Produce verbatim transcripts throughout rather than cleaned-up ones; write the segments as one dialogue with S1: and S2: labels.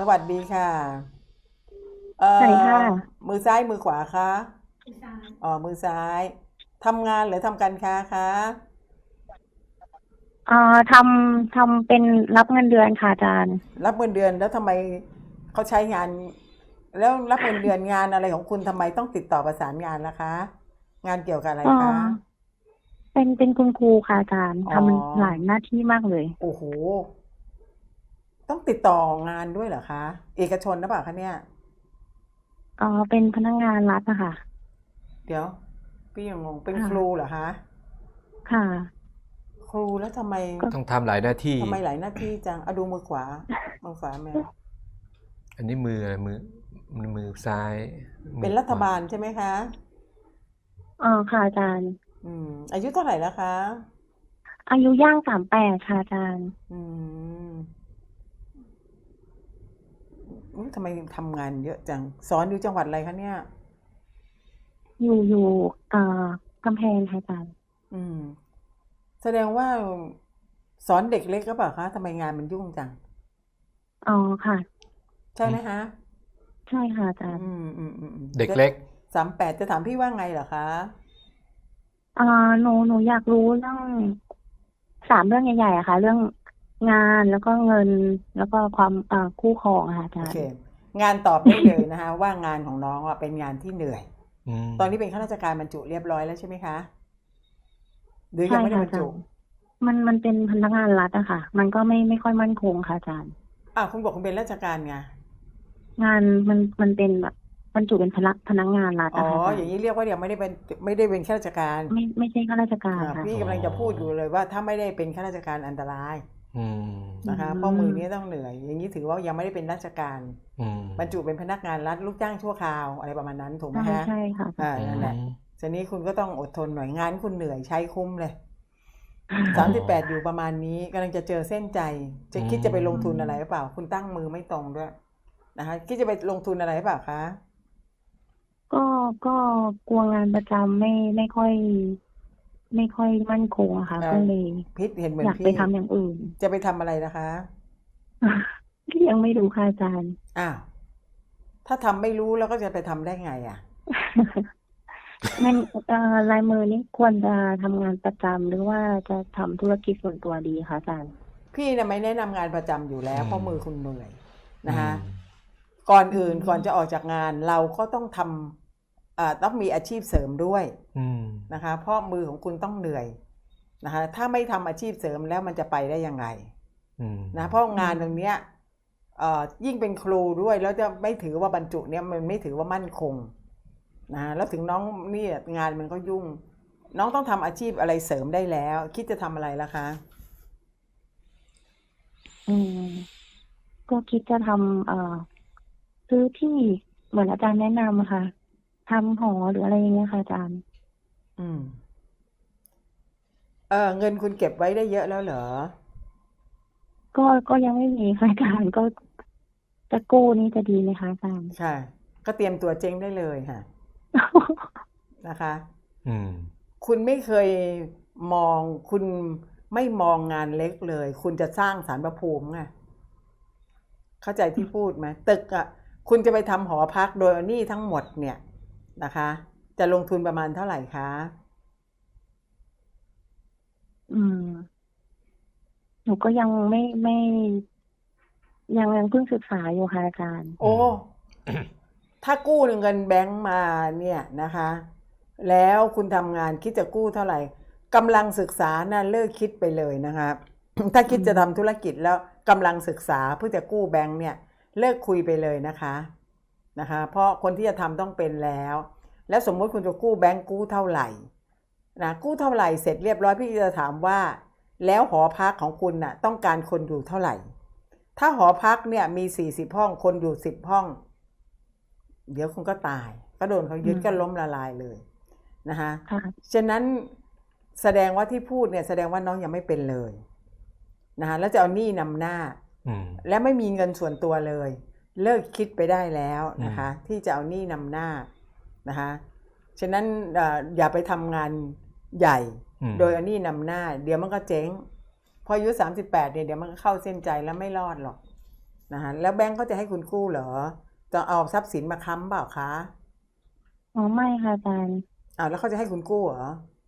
S1: วัสดีค่ะเอ่
S2: สวัสดีค่ะ
S1: อมือซ้ายมือขวาคะอ๋อมือซ้ายทำงานหรือทำการค้าคะ
S2: เอ่อทำทำเป็นรับเงินเดือนค่ะอาจารย์
S1: รับเงินเดือนแล้วทำไมเขาใช้งานแล้วรับเงินเดือนงานอะไรของคุณทำไมต้องติดต่อประสานงานล่ะคะงานเกี่ยวกับอะไร
S2: เอ่อ
S1: คะ
S2: เป็นเป็นคุณครูค่ะอาจารย์
S1: อ๋อ
S2: ทำหลายหน้าที่มากเลย
S1: โอ้โหต้องติดต่องานด้วยเหรอคะเอกชนหรือเปล่าคะเนี่ย
S2: เอ่อเป็นพนักงานรัฐนะคะ
S1: เดี๋ยวพี่ยังงงเป็นครู
S2: ค่ะ
S1: เหรอคะ
S2: ค่ะ
S1: ครูแล้วทำไม
S2: ก็
S3: ต้องทำหลายหน้าที่
S1: ทำไมหลายหน้าที่จังเอาดูมือขวามือขวาแมว
S3: อันนี้มืออะไรมือมือซ้ายมื
S1: เป็น
S3: อขวา
S1: รัฐบาลใช่ไหมคะ
S2: เออค่ะอาจารย์
S1: อืมอายุเท่าไหร่แล้วคะ
S2: อายุย่างสามแปดค่ะอาจารย์
S1: อืมอุ๊ยทำไมทำงานเยอะจังสอนอยู่จังหวัดอะไรคะเนี่ย
S2: อยู่อยู่เอ่อกำแพงค่ะอาจารย์
S1: อืมแสดงว่าสอนเด็กเล็กก็เปล่าคะทำไมงานมันยุ่งจัง
S2: อ๋อค่ะ
S1: ใช่ไหมคะ
S2: ใช่ค่ะอาจารย์
S1: อืมอืมอืมอืมจะ
S3: เด็กเล็ก
S1: สามแปดจะถามพี่ว่าไงเหรอคะ
S2: เอ่อหนูหนูอยากรู้เรื่องสามเรื่องใหญ่ๆอะค่ะเรื่องงานแล้วก็เงินแล้วก็ความเอ่อคู่ครองอะค่ะอา
S1: โอเค
S2: จารย์
S1: งานตอบได้เลยนะคะว่างานของน้องอะเป็นงานที่เหนื่อย
S3: อืม
S1: ตอนนี้เป็นข้าราชการบรรจุเรียบร้อยแล้วใช่ไหมคะหรือ
S2: ใช่
S1: ยังไม่ได้บรรจุ
S2: ค่ะอาจารย์มันมันเป็นพนักงานรัฐอะค่ะมันก็ไม่ไม่ค่อยมั่นคงค่ะอาจารย์
S1: อ่ะคุณบอกคุณเป็นราชการไง
S2: งานมันมันเป็นแบบบรรจุเป็นพนักพนักงานรัฐ
S1: อ๋อ
S2: อะค่ะอาจารย์
S1: อย่างนี้เรียกว่ายังไม่ได้เป็นไม่ได้เป็นข้าราชการ
S2: ไม่ไม่ใช่ข้าราชการ
S1: อ่า
S2: ค่ะ
S1: พี่
S3: อ๋อ
S1: กำลังจะพูดอยู่เลยว่าถ้าไม่ได้เป็นข้าราชการอันตราย
S3: อืม
S2: อื
S1: นะคะเพราะมือนี้
S2: ม
S1: ต้องเหนื่อยอย่างนี้ถือว่ายังไม่ได้เป็นราชการ
S3: อืม
S1: บรรจุเป็นพนักงานรัฐลูกจ้างชั่วคราวอะไรประมาณนั้นถูกไหม
S2: ใช่
S1: ฮะ
S2: ใช่ค่ะ
S1: อ่า
S3: อื
S1: นั่นแหละ
S3: ม
S1: ทีนี้คุณก็ต้องอดทนหน่อยงานคุณเหนื่อยใช้คุ้มเลย
S3: อ๋อ
S1: สามสิบแปดอยู่ประมาณนี้กำลังจะเจอเส้นใจจะ
S3: อื
S1: คิดจะไปลง
S2: อื
S1: ทุนอะไรหรือเป
S2: ม
S1: ล่าคุณตั้งมือไม่ตรงด้วยนะคะคิดจะไปลงทุนอะไรหรือเปล่าคะ
S2: ก็ก็กลัวงานประจำไม่ไม่ค่อยไม่ค่อยมั่นคงอะค่ะ
S1: เออ
S2: ก็เลย
S1: พิษเห็นเหมื
S2: อยากไป
S1: อนพี่
S2: ทำอย่างอื่น
S1: จะไปทำอะไรนะคะ
S2: ยังไม่รู้ค่ะอาจารย์
S1: อ้าวถ้าทำไม่รู้แล้วก็จะไปทำได้ไงอ่ะ
S2: มันเอ่อลายมือนี่ควรจะทำงานประจำหรือว่าจะทำธุรกิจส่วนตัวดีคะอาจารย์
S1: พี่นะไม่แนะนำงานประจำอยู่แล้ว
S3: อืม
S1: เพราะมือคุณเหนื่อย
S3: อื
S1: นะคะ
S3: ม
S1: ก่อน
S2: อื
S1: อื่นก่อนจะอ
S2: ม
S1: อกจากงานเราก็ต้องทำอ่าต้องมีอาชีพเสริมด้วย
S3: อืม
S1: นะคะเพราะมือของคุณต้องเหนื่อยนะคะถ้าไม่ทำอาชีพเสริมแล้วมันจะไปได้ยังไง
S3: อืม
S1: นะเพราะ
S2: อื
S1: งานตรงเนี้ย
S2: ม
S1: เอ่อยิ่งเป็นครูด้วยแล้วจะไม่ถือว่าบรรจุเนี่ยมันไม่ถือว่ามั่นคงนะแล้วถึงน้องนี่งานมันก็ยุ่งน้องต้องทำอาชีพอะไรเสริมได้แล้วคิดจะทำอะไรล่ะคะ
S2: อืมก็คิดจะทำเอ่อซื้อที่เหมือนอาจารย์แนะนำอะค่ะทำหอหรืออะไรอย่างเงี้ยค่ะอาจารย์
S1: อืมเออเงินคุณเก็บไว้ได้เยอะแล้วเหรอ
S2: ก็ก็ยังไม่มีค่ะอาจารย์ก็จะกู้นี่จะดีไหมคะอาจารย์
S1: ใช่ก็เตรียมตัวเจ๊งได้เลยค่ะนะคะ
S3: อืม
S1: คุณไม่เคยมองคุณไม่มองงานเล็กเลยคุณจะสร้างศาลพระภูมิไงเข้าใจที่พูดไหมตึกอ่ะคุณจะไปทำหอพักโดยเอาหนี้ทั้งหมดเนี่ยนะคะจะลงทุนประมาณเท่าไหร่คะ
S2: อืมหนูก็ยังไม่ไม่ยังยังเพิ่งศึกษาอยู่ค่ะอาจารย์
S1: โอ้ ถ้ากู้เงินแบงก์มาเนี่ยนะคะแล้วคุณทำงานคิดจะกู้เท่าไหร่กำลังศึกษานะ่ะเลิกคิดไปเลยนะคะถ้า
S2: อื
S1: คิดจะทำธุร
S2: ม
S1: กิจแล้วกำลังศึกษาเพื่อจะกู้แบงก์เนี่ยเลิกคุยไปเลยนะคะนะคะเพราะคนที่จะทำต้องเป็นแล้วแล้วสมมติคุณจะกู้แบงก์กู้เท่าไหร่นะกู้เท่าไหร่เสร็จเรียบร้อยพี่จะถามว่าแล้วหอพักของคุณน่ะต้องการคนอยู่เท่าไหร่ถ้าหอพักเนี่ยมีสี่สิบห้องคนอยู่สิบห้อง เดี๋ยวคุณก็ตายก็โดนเขา
S2: อืม
S1: ยึดก็ล้มละลายเลยนะคะ
S2: ค่ะ
S1: ฉะนั้นแสดงว่าที่พูดเนี่ยแสดงว่าน้องยังไม่เป็นเลยนะคะแล้วจะเอาหนี้นำหน้า
S3: อืม
S1: และไม่มีเงินส่วนตัวเลยเลิกคิดไปได้แล้ว
S3: อืม
S1: นะคะที่จะเอาหนี้นำหน้านะคะฉะนั้นเอ่ออย่าไปทำงานใหญ่
S3: อืม
S1: โดยเอาหนี้นำหน้าเดี๋ยวมันก็เจ๊งพออายุสามสิบแปดเนี่ยเดี๋ยวมันก็เข้าเส้นใจแล้วไม่รอดหรอกนะคะแล้วแบงก์เขาจะให้คุณกู้เหรอจะเอาทรัพย์สินมาค้ำเปล่าคะ
S2: อ๋อไม่ค่ะอาจารย์
S1: อ้าวแล้วเขาจะให้คุณกู้เหรอ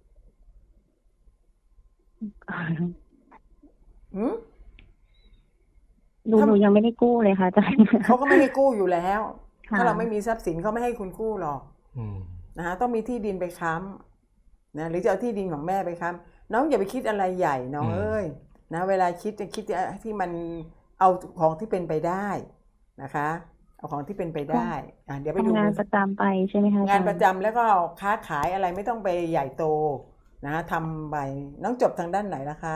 S1: หืม
S2: หนูหนูยังไม่ได้กู้เลยค่ะอาจารย์
S1: เขาก็ไม่ให้กู้อยู่แล้ว
S2: ค่ะ
S1: ถ้าเราไม่มีทรัพย์สินเขาไม่ให้คุณกู้หรอก
S3: อืม
S1: นะคะต้องมีที่ดินไปค้ำนะหรือจะเอาที่ดินของแม่ไปค้ำน้องอย่าไปคิดอะไรใหญ่น้อง
S3: อืม
S1: เอ้ยนะเวลาคิดจะคิดที่มันเอาของที่เป็นไปได้นะคะเอาของที่เป็นไปได้อ่ะเดี๋ยวไปดู
S2: ทำงานประจำไปใช่ไหมคะอจรง
S1: าน
S2: ย์
S1: ประจำแล้วก็ค้าขายอะไรไม่ต้องไปใหญ่โตนะทำไปน้องจบทางด้านไหนนะคะ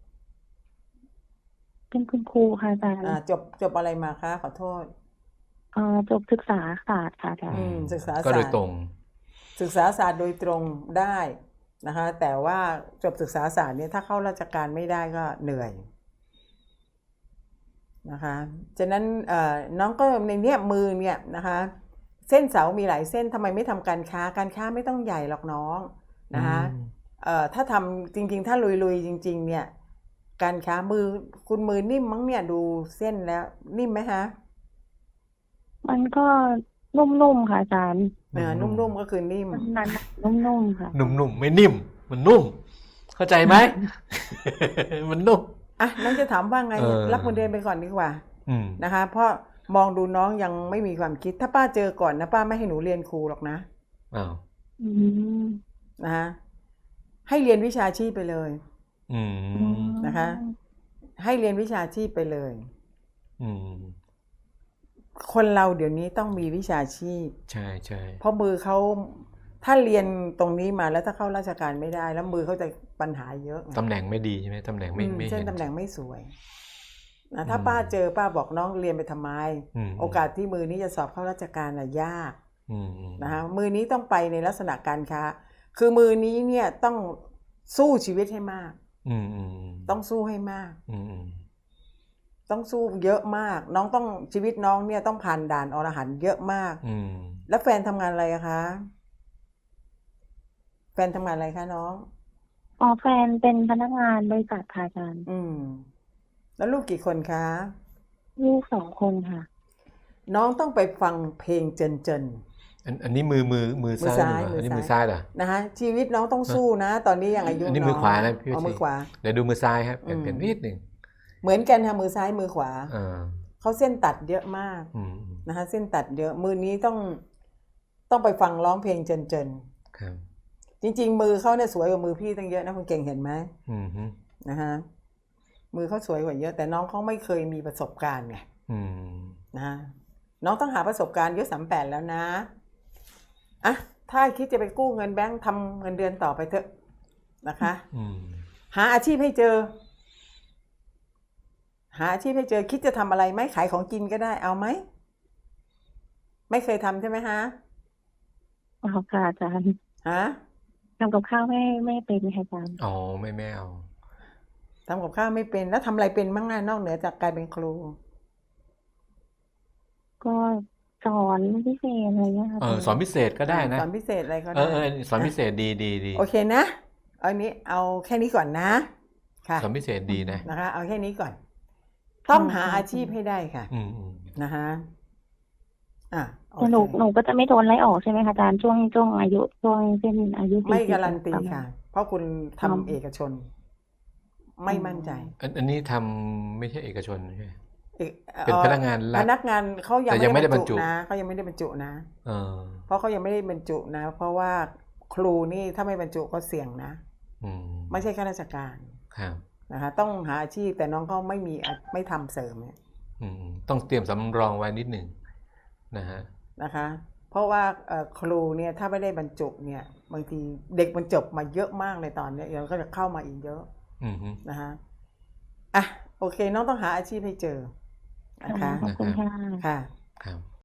S2: เป็นคุณครูค่ะอาจารย์
S1: อ่าจบจบอะไรมาคะขอโทษ
S2: เอ่อจบศึกษาศาสตร์ค่ะอาจาร
S1: อื
S2: ย์
S1: มศึกษา
S3: ก็โดย
S1: ศาสตร์
S3: ตรง
S1: ศึกษาศาสตร์โดยตรงได้นะคะแต่ว่าจบศึกษาศาสตร์เนี่ยถ้าเข้าราชการไม่ได้ก็เหนื่อยนะคะฉะนั้นเอ่อน้องก็ในเนี้ยมือเนี่ยนะคะเส้นเสามีหลายเส้นทำไมไม่ทำการค้าการค้าไม่ต้องใหญ่หรอกน้องนะคะ
S3: อืม
S1: เอ่อถ้าทำจริงๆ ถ้าลุยๆจริงๆเนี่ยการค้ามือคุณมือนิ่มมั้งเนี่ยดูเส้นแล้วนิ่มไหมฮะ
S2: มันก็นุ่มๆค่ะอาจารย์
S1: เออนุ่มๆก็คือนิ่ม
S2: มันนั้นนุ่มๆค่ะ
S3: นุ่มๆไม่นิ่ม มันนุ่ม เข้าใจไหม มันนุ่ม
S1: อ่ะน้องจะถามว่าไง
S3: เออ
S1: รับเงินเดือนไปก่อนดีกว่า
S3: อืม
S1: นะคะ เพราะมองดูน้องยังไม่มีความคิด ถ้าป้าเจอก่อนนะป้าไม่ให้หนูเรียนครูหรอกนะ
S3: อ้าว
S2: อืม
S1: นะคะให้เรียนวิชาชีพไปเลย
S3: อืม
S1: นะคะ ให้เรียนวิชาชีพไปเลย
S3: อืม
S1: คนเราเดี๋ยวนี้ต้องมีวิชาชีพ
S3: ใช่ใช่
S1: เพราะมือเขาถ้าเรียนตรงนี้มาแล้วถ้าเข้าราชการไม่ได้ แล้วมือเขาจะปัญหาเยอะไง
S3: ตำแหน่งไม่ดีใช่ไหมตำแหน่งไม่
S1: อืม
S3: ไม่
S1: เช่น
S3: เห็น
S1: ตำแหน่งไม่สวยนะถ้า
S3: อืม
S1: ป้าเจอป้าบอกน้องเรียนไปทำไม
S3: อืม
S1: โอกาสที่มือนี้จะสอบเข้าราชการน่ะยาก
S3: อืมอืม
S1: นะคะมือนี้ต้องไปในลักษณะการค้า คือมือนี้เนี่ยต้องสู้ชีวิตให้มาก
S3: อืมอืม
S1: ต้องสู้ให้มาก
S3: อืมอืม
S1: ต้องสู้เยอะมาก น้องต้องชีวิตน้องเนี่ยต้องผ่านด่านอรหันต์เยอะมาก
S3: อืม
S1: แล้วแฟนทำงานอะไรอะคะ แฟนทำงานอะไรคะน้อง
S2: อ๋อแฟนเป็นพนักงานบริษัทค่ะอาจารย์
S1: อืม แล้วลูกกี่คนคะ
S2: ลูกสองคนค่ะ
S1: น้องต้องไปฟังเพลงเจนเจน
S3: อันอันนี้มือมือมือ
S1: มือ
S3: ซ้าย
S1: ซ้าย
S3: เหรออันนี้
S1: มื
S3: มื
S1: อ
S3: อ
S1: ซ้า
S3: ซ้าย ยเหรอ
S1: นะคะชีวิตน้องต้องสู้นะ ตอนนี้ยังอายุ
S3: อันนี้
S1: น้
S3: มือขวานะพี่
S1: เอามือ
S3: ชี
S1: ขวา
S3: เดี๋ยวดูมือซ้ายครับเปลี่ยน
S1: อืม
S3: เปลี่ยนนิดหนึ่ง
S1: เหมือนกันค่ะมือซ้ายมือขวา
S3: อ่า
S1: เขาเส้นตัดเยอะมาก
S3: อืม
S1: นะคะเส้นตัดเยอะมือนี้ต้องต้องไปฟังร้องเพลงเจนเจน
S3: ครับ
S1: จริง ๆ มือเขาเนี่ยสวยกว่ามือพี่ตั้งเยอะนะคุณเก่งเห็นไหม
S3: อืมฮึ
S1: นะคะมือเขาสวยกว่าเยอะ แต่น้องเขาไม่เคยมีประสบการณ์ไง
S3: อืม
S1: นะน้องต้องหาประสบการณ์อายุสามแปดแล้วนะอ่ะถ้าคิดจะไปกู้เงินแบงค์ทำเงินเดือนต่อไปเถอะนะคะ
S3: อืม
S1: หาอาชีพให้เจอ หาอาชีพให้เจอคิดจะทำอะไรไหมขายของกินก็ได้เอาไหมไม่เคยทำใช่ไหมฮะ
S2: อ๋อค่ะอาจารย์
S1: ฮะ
S2: ทำกับข้าวไม่ไม่เป็นค่ะอาจารย์
S3: อ๋อไม่ไม่เอา
S1: ทำกับข้าวไม่เป็นแล้วทำอะไรเป็นบ้างนะนอกเหนือจากการเป็นครู
S2: ก็สอนพิเศษอะไรเงี้ยค่ะ
S3: เออสอนพิเศษก็ได้นะ
S1: สอนพิเศษอะไรก็
S3: เอ
S1: ได้
S3: อเออสอนพิเศษดีดีดี
S1: โอเคนะเอาอันนี้เอาแค่นี้ก่อนนะค่ะ
S3: สอนพิเศษดีนะ
S1: นะคะ เอาแค่นี้ก่อน ต้องหาอาชีพให้ได้ค่ะ
S3: อืมอืม
S1: นะคะอ่ะโอ
S2: แต่หนู
S1: เค
S2: หนูก็จะไม่โดนไล่ออกใช่ไหมคะอาจารย์ช่วงช่วงอายุช่วงเส้นอายุ
S1: ไม่
S2: สี่สิบ
S1: การันตี
S2: ประมาณ
S1: ค่ะ เพราะคุณทำ
S2: อ๋อ
S1: เอกชน ไม่มั่นใจ
S3: อันอันนี้ทำไม่ใช่เอกชนใช่ไหม
S1: เอก
S3: เป็นพนักงานรัฐ
S1: พนักงานเขายัง
S3: แต่ยังไม่ได้บรรจุ
S1: นะเขายังไม่ได้บรรจุนะ
S3: เออ
S1: เพราะเขายังไม่ได้บรรจุนะ เพราะว่าครูนี่ถ้าไม่บรรจุก็เสี่ยงนะ
S3: อืม
S1: ไม่ใช่ข้าราชการ
S3: ครับ
S1: นะคะ ต้องหาอาชีพแต่น้องเขาไม่มีอ่ะไม่ทำเสริมเนี่ย
S3: อืมต้องเตรียมสำรองไว้นิดหนึ่งนะฮะ
S1: นะคะ เพราะว่าเอ่อครูเนี่ยถ้าไม่ได้บรรจุเนี่ยบางทีเด็กมันจบมาเยอะมากเลยตอนเนี้ยเดี๋ยวก็จะเข้ามาอีกเยอะ
S3: อืมฮึ
S1: นะคะอ่ะโอเคน้องต้องหาอาชีพให้เจอนะคะ
S2: ขอบคุณค่ะ
S1: ค่ะ
S3: ครับ